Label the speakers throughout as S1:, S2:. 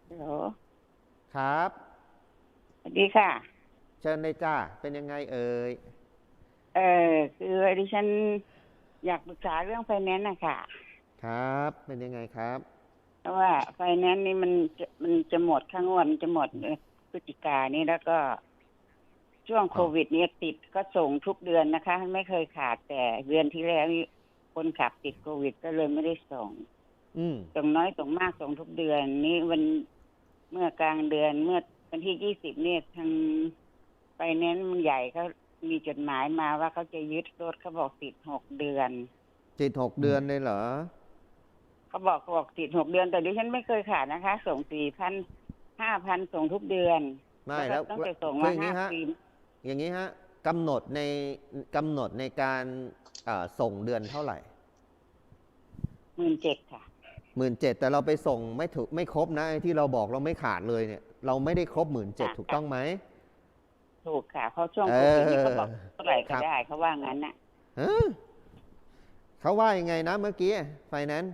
S1: ฮัลโหล
S2: ครับ
S1: สวัสดีค่ะ
S2: เชิญเลยจ้าเป็นยังไงเอ่ย
S1: เออคือดิฉันอยากปรึกษาเรื่องไฟแนนซ์นะคะ
S2: ครับเป็นยังไงครับ
S1: เพราะว่าไฟแนนซ์นี่มันจะหมดค่างวดมันจะหมดพฤศจิกายนนี้แล้วก็ช่วงโค
S2: อ๋อ
S1: วิดเนี่ยติดก็ส่งทุกเดือนนะคะไม่เคยขาดแต่เดือนที่แล้วนี่คนขับติดโควิดก็เลยไม่ได้ส่ง
S2: อืม
S1: ส่งน้อยส่งมากส่งทุกเดือนนี้วันเมื่อกลางเดือนเมื่อวันที่20เนี่ยทางไฟแนนซ์มันใหญ่เขามีจดหมายมาว่าเขาจะยึดรถเขาบอกติด6 เดือน
S2: จิต6 เดือนเลยเหรอ
S1: เขาบอกติด6 เดือนแต่ดิฉันไม่เคยขาดนะคะส่ง4,0005,000ส่งทุกเดือนแล้วก็
S2: ไม่แล้ว
S1: ตั้งแต่ส่ง
S2: คือ
S1: มา
S2: อย่างนี้ฮะ
S1: 5 ปี
S2: อย่างนี้ฮะกำหนดในกำหนดในการส่งเดือนเท่าไหร่
S1: 17,000ค่ะ
S2: 17,000แต่เราไปส่งไม่ถูกไม่ครบนะไอ้ที่เราบอกเราไม่ขาดเลยเนี่ยเราไม่ได้ครบ17,000ถูก
S1: ค่ะ
S2: ต้องไหม
S1: ถูกค่ะเพราะช่วง
S2: เอ
S1: โควิดนี่เขา
S2: อ
S1: บอกเท่าไหร่
S2: ครับ
S1: ก็ได้เขาว่างั้นน่ะ
S2: เออเขาว่ายังไงนะเมื่อกี้ไฟแนนซ์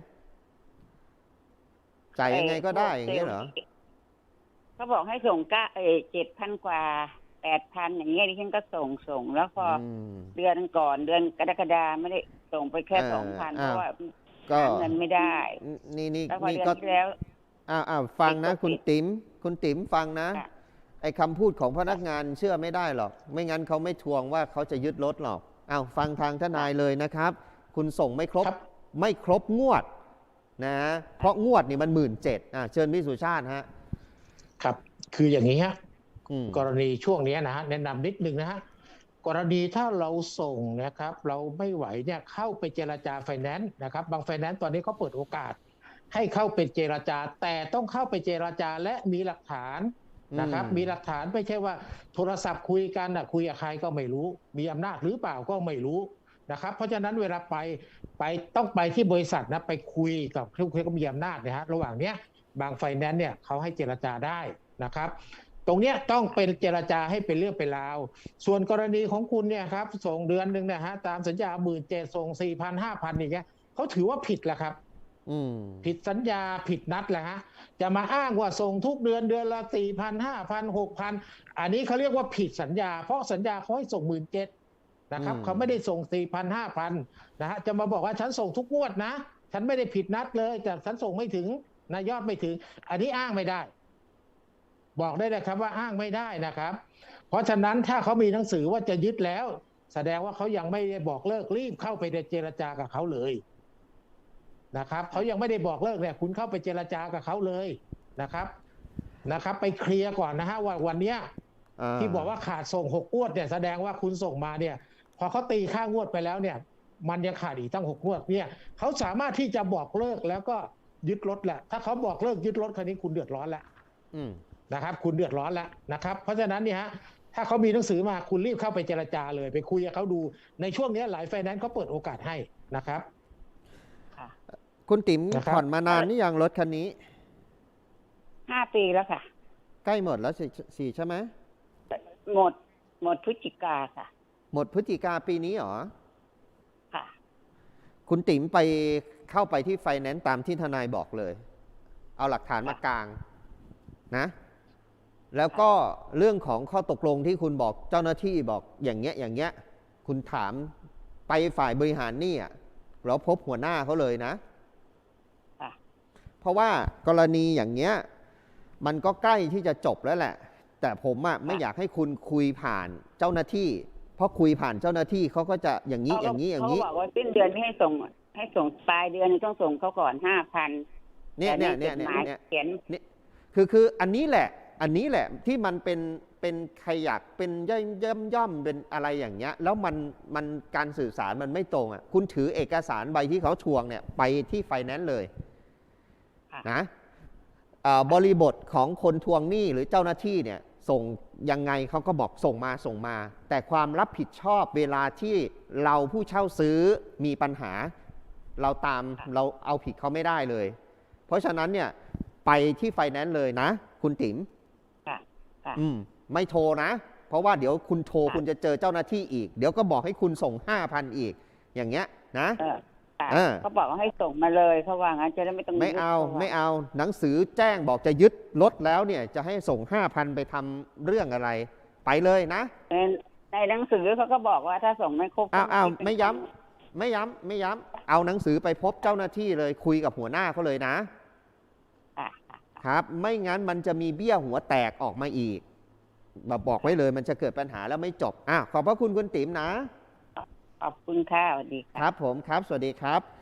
S2: จ่าย
S1: ไอ้
S2: ยังไงก็ได้
S1: พวก
S2: อย่างเงี้ยเหรอ
S1: เขาบอกให้ส่ง7,000กว่า8,000อย่างเงี้ยดิฉันก็ส่งแล้วพอ
S2: อืม
S1: เดือนก่อนเดือนกรกฎาไม่ได้ส่งไปแค่
S2: เออ
S1: 2,000เพ
S2: อ้าว
S1: ราะว่า
S2: ก็
S1: หาเงินไม่ได้
S2: นี่นี่
S1: แล้วพอ
S2: นี่ก็
S1: เดือนที่แล้ว
S2: ฟัง
S1: ติดโค
S2: นะคุณ
S1: วิด
S2: ติ๋มคุณติ๋มฟังนะ
S1: ค่ะ
S2: ไอ้คำพูดของพนัก
S1: ค่ะ
S2: งานเชื่อไม่ได้หรอกไม่งั้นเขาไม่ทวงว่าเขาจะยึดรถหรอกฟังทางทนาย
S1: ค่ะ
S2: เลยนะครับคุณส่งไม่ครบ
S3: ครับ
S2: ไม่ครบงวดนะเพราะงวดนี่มัน17,000เชิญพี่สุชาติฮะ
S3: ครับคืออย่างนี้ฮะ
S2: อืม
S3: กรณีช่วงนี้นะฮะแนะนำนิดนึงนะฮะกรณีถ้าเราส่งนะครับเราไม่ไหวเนี่ยเข้าไปเจรจาไฟแนนซ์นะครับบางไฟแนนซ์ตอนนี้เขาเปิดโอกาสให้เข้าไปเจรจาแต่ต้องเข้าไปเจรจาและมีหลักฐาน
S2: อืม
S3: นะครับมีหลักฐานไม่ใช่ว่าโทรศัพท์คุยกันคุยกับใครก็ไม่รู้มีอำนาจหรือเปล่าก็ไม่รู้นะครับเพราะฉะนั้นเวลาไปต้องไปที่บริษัทนะไปคุยกับผู้ที่มีอำนาจนะฮะระหว่างเนี้ย บางไฟแนนซ์เนี่ยเขาให้เจรจาได้นะครับตรงเนี้ยต้องเป็นเจรจาให้เป็นเรื่องเป็นราวส่วนกรณีของคุณเนี่ยครับส่งเดือนหนึ่งนะฮะตามสัญญา17,000ส่ง4,000 5,000อย่างเงี้ยเขาถือว่าผิดแหละครับ
S2: อืม
S3: ผิดสัญญาผิดนัดแหละฮะจะมาอ้างว่าส่งทุกเดือนเดือนละ4,000 5,000 6,000อันนี้เขาเรียกว่าผิดสัญญาเพราะสัญญาเขาให้ส่ง17,000
S2: อื
S3: นะครับ
S2: ม
S3: เขาไม่ได้ส่ง4,000 5,000นะฮะจะมาบอกว่าฉันส่งทุกงวดนะฉันไม่ได้ผิดนัดเลยแต่ฉันส่งไม่ถึงนะยอดไม่ถึงอันนี้อ้างไม่ได้บอกได้เลยครับว่าอ้างไม่ได้นะครับเพราะฉะนั้นถ้าเขามีหนังสือว่าจะยึดแล้วแสดงว่าเขายังไม่ได้บอกเลิกรีบเข้าไปเจรจากับเขาเลยนะครับเขายังไม่ได้บอกเลิกเนี่ยคุณเข้าไปเจรจากับเขาเลยนะครับไปเคลียร์ก่อนนะฮะว่าวันเนี้ย
S2: อ่า
S3: ที่บอกว่าขาดส่ง6 งวดเนี่ยแสดงว่าคุณส่งมาเนี่ยพอเขาตีค่างวดไปแล้วเนี่ยมันยังขาดอีกตั้ง6 งวดเนี่ยเขาสามารถที่จะบอกเลิกแล้วก็ยึดรถแหละถ้าเขาบอกเลิกยึดรถคันนี้คุณเดือดร้อนแล้ว
S2: อืม
S3: นะครับคุณเดือดร้อนแล้วนะครับเพราะฉะนั้นเนี่ยฮะถ้าเขามีหนังสือมาคุณรีบเข้าไปเจรจาเลยไปคุยกับเขาดูในช่วงนี้หลายไฟแนนซ์เขาเปิดโอกาสให้นะครับ
S1: ค่ะ
S2: คุณติ๋ม
S3: นะครับ
S2: ผ่อนมานานนี่ยังรถคันนี้
S1: 5 ปีแล้วค่ะ
S2: ใกล้หมดแล้วสี่ใช่ไหม
S1: หมดหมดพฤศจิกาค่ะ
S2: หมดพฤศจิกาปีนี้เหรอ
S1: ค่ะ
S2: คุณติ๋มไปเข้าไปที่ไฟแนนซ์ตามที่ทนายบอกเลย เอาหลักฐานมากลางนะแล้วก็เรื่องของข้อตกลงที่คุณบอกเจ้าหน้าที่บอกอย่างเงี้ยอย่างเงี้ยคุณถามไปฝ่ายบริหารนี่เราพบหัวหน้าเขาเลยนะ
S1: ค่ะ
S2: เพราะว่ากรณีอย่างเงี้ยมันก็ใกล้ที่จะจบแล้วแหละ แต่ผมไม่อยากให้คุณคุยผ่านเจ้าหน้าที่เพราะคุยผ่านเจ้าหน้าที่เขาก็จะอย่างนี้อย่างนี้อย่างนี้
S1: เขาบอกว่าสิ้นเดือนนี้ให้ส่งปลายเดือนนี้ต้องส่งเขาก่อน5,000
S2: เนี่ย
S1: แต่ใน
S2: เนี่ยเนี่ย
S1: จดหมาย
S2: เนี่ย
S1: เขียน
S2: เนี่ยคืออันนี้แหละที่มันเป็นใครอยากเป็นย่อมเป็นอะไรอย่างเงี้ยแล้วมันการสื่อสารมันไม่ตรงคุณถือเอกสารใบที่เขาทวงเนี่ยไปที่ไฟแนนซ์เลยนะบริบทของคนทวงหนี้หรือเจ้าหน้าที่เนี่ยส่งยังไงเขาก็บอกส่งมาแต่ความรับผิดชอบเวลาที่เราผู้เช่าซื้อมีปัญหาเราเอาผิดเขาไม่ได้เลย เพราะฉะนั้นเนี่ยไปที่ไฟแนนซ์เลยนะคุณติ๋ม
S1: ค่ะค่ะ
S2: ไม่โทรนะเพราะว่าเดี๋ยวคุณโทร
S1: ค่ะ
S2: คุณจะเจอเจ้าหน้าที่อีกเดี๋ยวก็บอกให้คุณส่ง5,000อีกอย่างเงี้ยนะ
S1: ค่ะ
S2: อ่า
S1: เขาบอกว่าให้ส่งมาเลยเขาว่างั้นจะได้ไม่ต้อง
S2: ไม่เอา
S1: ยึด
S2: ไม่เอาหนังสือแจ้งบอกจะยึดรถแล้วเนี่ยจะให้ส่ง 5,000 ไปทำเรื่องอะไร ไปเลยนะ
S1: ในหนังสือเขาก็บอกว่าถ้าส่งไม่ครบ
S2: อ้าว
S1: ก็
S2: ไม่ย้ำไม่ย้ำเอาหนังสือไปพบเจ้าหน้าที่เลยคุยกับหัวหน้าเขาเลยนะ
S1: ค่ะ
S2: ครับ ไม่งั้นมันจะมีเบี้ยหัวแตกออกมาอีกบอกไว้เลยมันจะเกิดปัญหาแล้วไม่จบขอบพระคุณคุณติ๋มนะ
S1: ขอบคุณค่ะสวัสดีค่ะ
S2: ครับผมครับสวัสดีครับ